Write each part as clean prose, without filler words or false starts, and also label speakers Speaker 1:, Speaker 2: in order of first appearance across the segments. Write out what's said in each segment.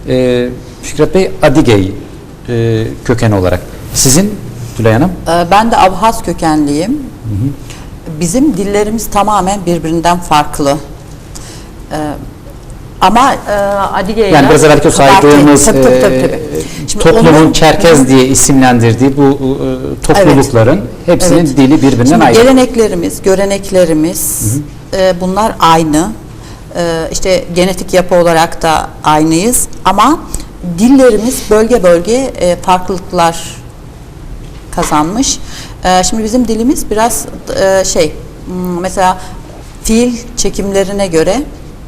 Speaker 1: Fikret Bey Adigey kökeni olarak. Sizin Tülay Hanım?
Speaker 2: Ben de Abhaz kökenliyim. Bizim dillerimiz tamamen birbirinden farklı. Ama Adigey'le
Speaker 1: Yani biraz evvelki saydığımız toplumun Çerkez diye isimlendirdiği bu toplulukların hepsinin dili birbirinden ayrı.
Speaker 2: Geleneklerimiz, göreneklerimiz bunlar aynı. İşte genetik yapı olarak da aynıyız ama dillerimiz bölge bölge farklılıklar kazanmış. Şimdi bizim dilimiz biraz mesela fiil çekimlerine göre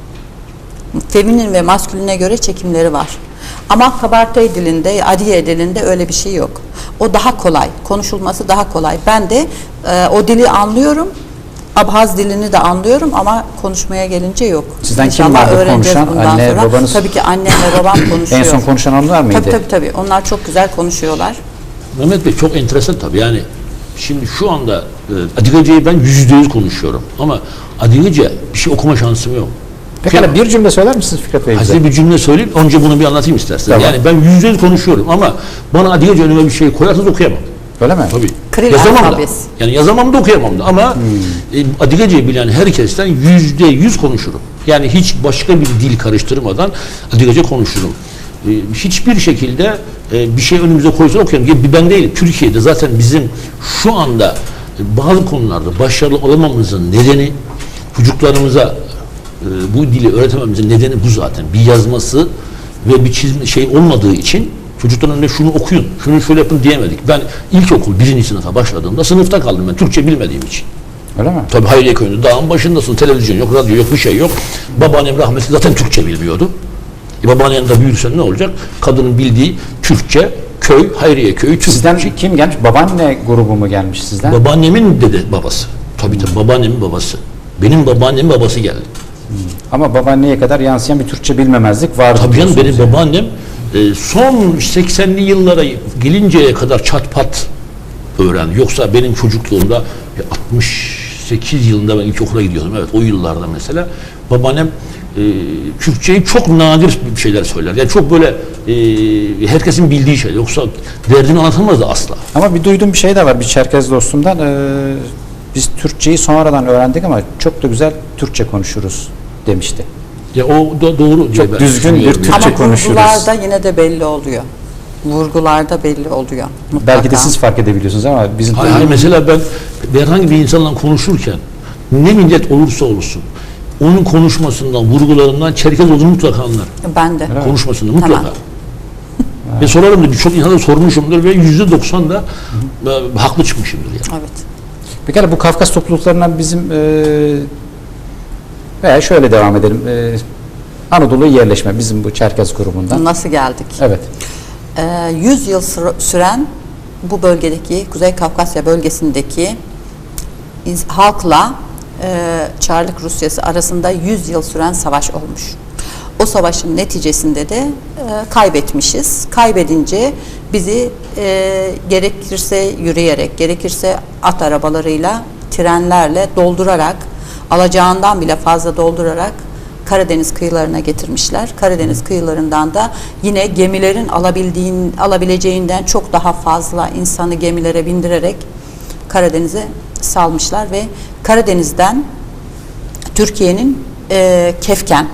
Speaker 2: feminin ve masküline göre çekimleri var. Ama Kabartay dilinde, Adiye dilinde öyle bir şey yok. O daha kolay, konuşulması daha kolay. Ben de o dili anlıyorum, Abhaz dilini de anlıyorum ama konuşmaya gelince yok.
Speaker 1: Sizden kim vardı konuşan? Anne,
Speaker 2: sonra.
Speaker 1: babanız?
Speaker 2: Tabii ki annemle babam konuşuyor.
Speaker 1: En son konuşan onlar mıydı?
Speaker 2: Tabii. Onlar çok güzel konuşuyorlar.
Speaker 3: Mehmet Bey çok enteresan tabii. Yani şimdi şu anda Adigece'yi ben %100 konuşuyorum ama Adigece bir şey okuma şansım yok.
Speaker 1: Pekala bir cümle söyler misiniz Fikret Bey bize?
Speaker 3: Size bir cümle söyleyeyim, önce bunu bir anlatayım isterseniz.
Speaker 1: Tamam.
Speaker 3: Yani ben %100 konuşuyorum ama bana Adigece önüme bir şey koyarsanız okuyamam.
Speaker 1: Öyle mi?
Speaker 3: Tabii.
Speaker 2: Kril
Speaker 3: Yazamam da.
Speaker 2: alfabesi.
Speaker 3: Yani yazamam da okuyamam da ama Adigece'yi bilen herkesten %100 konuşurum. Yani hiç başka bir dil karıştırmadan Adigece konuşurum. Hiçbir şekilde bir şey önümüze koysa okuyamam. Ben değilim. Türkiye'de zaten bizim şu anda bazı konularda başarılı olamamızın nedeni çocuklarımıza bu dili öğretememizin nedeni bu zaten. Bir yazması ve bir çizme olmadığı için çocukların önünde şunu okuyun, şunu şöyle yapın diyemedik. Ben ilkokul 1. sınıfa başladığımda sınıfta kaldım ben Türkçe bilmediğim için.
Speaker 1: Öyle mi?
Speaker 3: Tabii Hayriye Köyü'nde dağın başındasın, televizyon yok, radyo yok, bir şey yok. Babaannem rahmetli zaten Türkçe bilmiyordu. Babaannem de büyürsen ne olacak? Kadının bildiği Türkçe, köy, Hayriye Köyü, Türkçe.
Speaker 1: Sizden kim gelmiş? Babaanne grubu mu gelmiş sizden?
Speaker 3: Babaannemin babası. Tabii babaannemin babası. Benim babaannemin babası geldi.
Speaker 1: Ama babaanneye kadar yansıyan bir Türkçe bilmemezlik vardı.
Speaker 3: Tabii canım benim babaannem son 80'li yıllara gelinceye kadar çat pat öğrendi. Yoksa benim çocukluğumda 68 yılında ben ilkokula gidiyordum. Evet o yıllarda mesela babaannem Türkçeyi çok nadir bir şeyler söyler. Yani çok böyle herkesin bildiği şey. Yoksa derdini anlatamazdı asla.
Speaker 1: Ama bir duyduğum bir şey de var bir Çerkez dostumdan. Biz Türkçeyi sonradan öğrendik ama çok da güzel Türkçe konuşuruz demişti.
Speaker 3: Ya o da doğru.
Speaker 1: Çok düzgün bir Türkçe
Speaker 2: ama
Speaker 1: konuşuruz.
Speaker 2: Ama vurgularda yine de belli oluyor. Vurgularda belli oluyor. Mutlaka.
Speaker 1: Belki de siz fark edebiliyorsunuz ama bizim...
Speaker 3: Hayır, mesela ben herhangi bir insanla konuşurken ne millet olursa olsun onun konuşmasından, vurgularından Çerkez olduğunu mutlaka anlar.
Speaker 2: Ben de.
Speaker 3: Konuşmasından mutlaka.
Speaker 2: Tamam.
Speaker 3: Ve sorarım da birçok insana sormuşumdur ve %90 da haklı çıkmışımdır yani.
Speaker 2: Evet.
Speaker 1: Pekala bu Kafkas topluluklarından bizim veya şöyle devam edelim. Anadolu'ya yerleşme bizim bu Çerkez grubundan.
Speaker 2: Nasıl geldik?
Speaker 1: Evet.
Speaker 2: 100 yıl süren bu bölgedeki Kuzey Kafkasya bölgesindeki halkla Çarlık Rusyası arasında 100 yıl süren savaş olmuş. O savaşın neticesinde de kaybetmişiz. Kaybedince bizi gerekirse yürüyerek, gerekirse at arabalarıyla, trenlerle doldurarak, alacağından bile fazla doldurarak Karadeniz kıyılarına getirmişler. Karadeniz kıyılarından da yine gemilerin alabileceğinden çok daha fazla insanı gemilere bindirerek Karadeniz'e salmışlar ve Karadeniz'den Türkiye'nin Kefken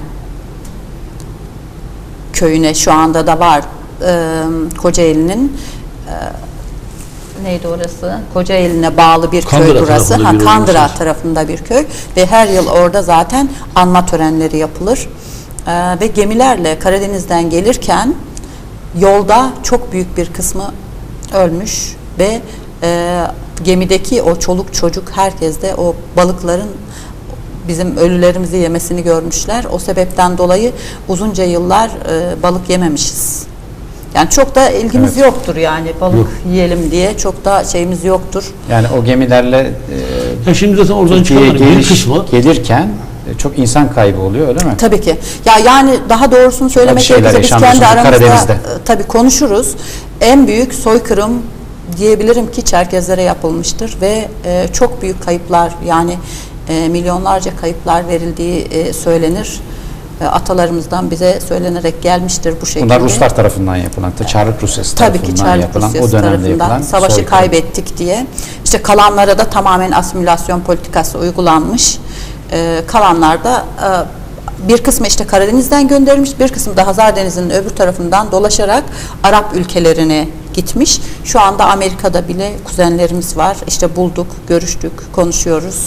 Speaker 2: köyüne şu anda da var Kocaeli'nin neydi orası? Kocaeli'ne bağlı bir
Speaker 3: Kandıra
Speaker 2: köy burası. Kandıra
Speaker 3: bir
Speaker 2: tarafında bir köy ve her yıl orada zaten anma törenleri yapılır. Ve gemilerle Karadeniz'den gelirken yolda çok büyük bir kısmı ölmüş ve gemideki o çoluk çocuk herkes de o balıkların bizim ölülerimizi yemesini görmüşler. O sebepten dolayı uzunca yıllar balık yememişiz. Yani çok da ilgimiz yoktur yani balık yiyelim diye çok da şeyimiz yoktur.
Speaker 1: Yani o gemilerle
Speaker 3: şimdi zaten oradan çıkanların bir kısmı
Speaker 1: gelirken çok insan kaybı oluyor öyle mi?
Speaker 2: Tabii ki. Ya yani daha doğrusunu söylemek gerekirse biz kendi aramızda tabii konuşuruz. En büyük soykırım diyebilirim ki Çerkezlere yapılmıştır ve çok büyük kayıplar yani milyonlarca kayıplar verildiği söylenir. Atalarımızdan bize söylenerek gelmiştir bu şekilde.
Speaker 1: Bunlar Ruslar tarafından yapılan, Çarlık Rusyası
Speaker 2: Tabii ki
Speaker 1: tarafından
Speaker 2: Çarlık
Speaker 1: yapılan,
Speaker 2: Rusyası
Speaker 1: o dönemde
Speaker 2: tarafından
Speaker 1: yapılan
Speaker 2: savaşı
Speaker 1: soykırım.
Speaker 2: kaybettik diye. İşte kalanlara da tamamen asimilasyon politikası uygulanmış. Kalanlar da bir kısmı işte Karadeniz'den gönderilmiş, bir kısmı da Hazar Denizi'nin öbür tarafından dolaşarak Arap ülkelerine gitmiş. Şu anda Amerika'da bile kuzenlerimiz var. İşte bulduk, görüştük, konuşuyoruz.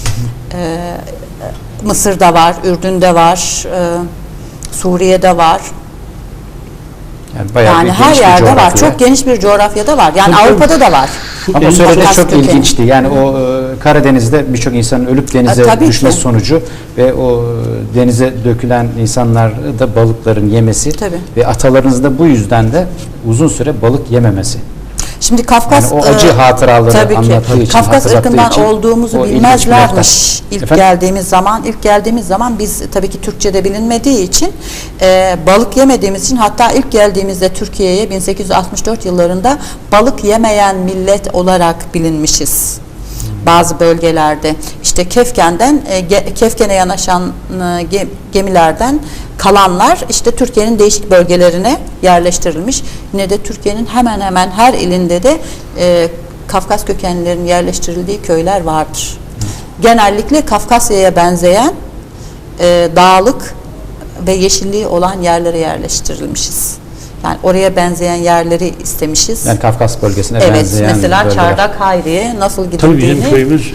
Speaker 2: Mısır'da var, Ürdün'de var, Suriye'de var.
Speaker 1: Yani bayağı
Speaker 2: Yani
Speaker 1: bir
Speaker 2: her
Speaker 1: geniş bir
Speaker 2: yerde var.
Speaker 1: coğrafya.
Speaker 2: Çok geniş bir coğrafyada var. Yani
Speaker 3: Tabii,
Speaker 2: Avrupa'da da var.
Speaker 1: Ama o söylediği
Speaker 2: Kafkas
Speaker 1: çok
Speaker 2: kökeni.
Speaker 1: ilginçti. Yani o Karadeniz'de birçok insanın ölüp denize
Speaker 2: Tabii
Speaker 1: düşmesi
Speaker 2: ki.
Speaker 1: sonucu ve o denize dökülen insanlar da balıkların yemesi
Speaker 2: Tabii.
Speaker 1: ve atalarınız da bu yüzden de uzun süre balık yememesi.
Speaker 2: Şimdi Kafkas
Speaker 1: Yani o acı hatıraları
Speaker 2: tabii ki.
Speaker 1: anlattığı için,
Speaker 2: Kafkas
Speaker 1: hatırlattığı
Speaker 2: ırkından
Speaker 1: için
Speaker 2: olduğumuzu
Speaker 1: o ilginç bir
Speaker 2: bilmezlermiş
Speaker 1: nokta.
Speaker 2: ilk
Speaker 1: Efendim?
Speaker 2: geldiğimiz zaman biz tabii ki Türkçe'de bilinmediği için balık yemediğimiz için, hatta ilk geldiğimizde Türkiye'ye 1864 yıllarında balık yemeyen millet olarak bilinmişiz. Bazı bölgelerde işte Kefken'e yanaşan gemilerden kalanlar işte Türkiye'nin değişik bölgelerine yerleştirilmiş. Yine de Türkiye'nin hemen hemen her ilinde de Kafkas kökenlilerin yerleştirildiği köyler vardır. Genellikle Kafkasya'ya benzeyen dağlık ve yeşilliği olan yerlere yerleştirilmişiz. Yani oraya benzeyen yerleri istemişiz.
Speaker 1: Yani Kafkas bölgesine
Speaker 2: Evet,
Speaker 1: benzeyen
Speaker 2: mesela
Speaker 1: bölgeler.
Speaker 2: Çardak Hayri'ye nasıl
Speaker 3: Tabii bizim
Speaker 2: gidildiğini
Speaker 3: köyümüz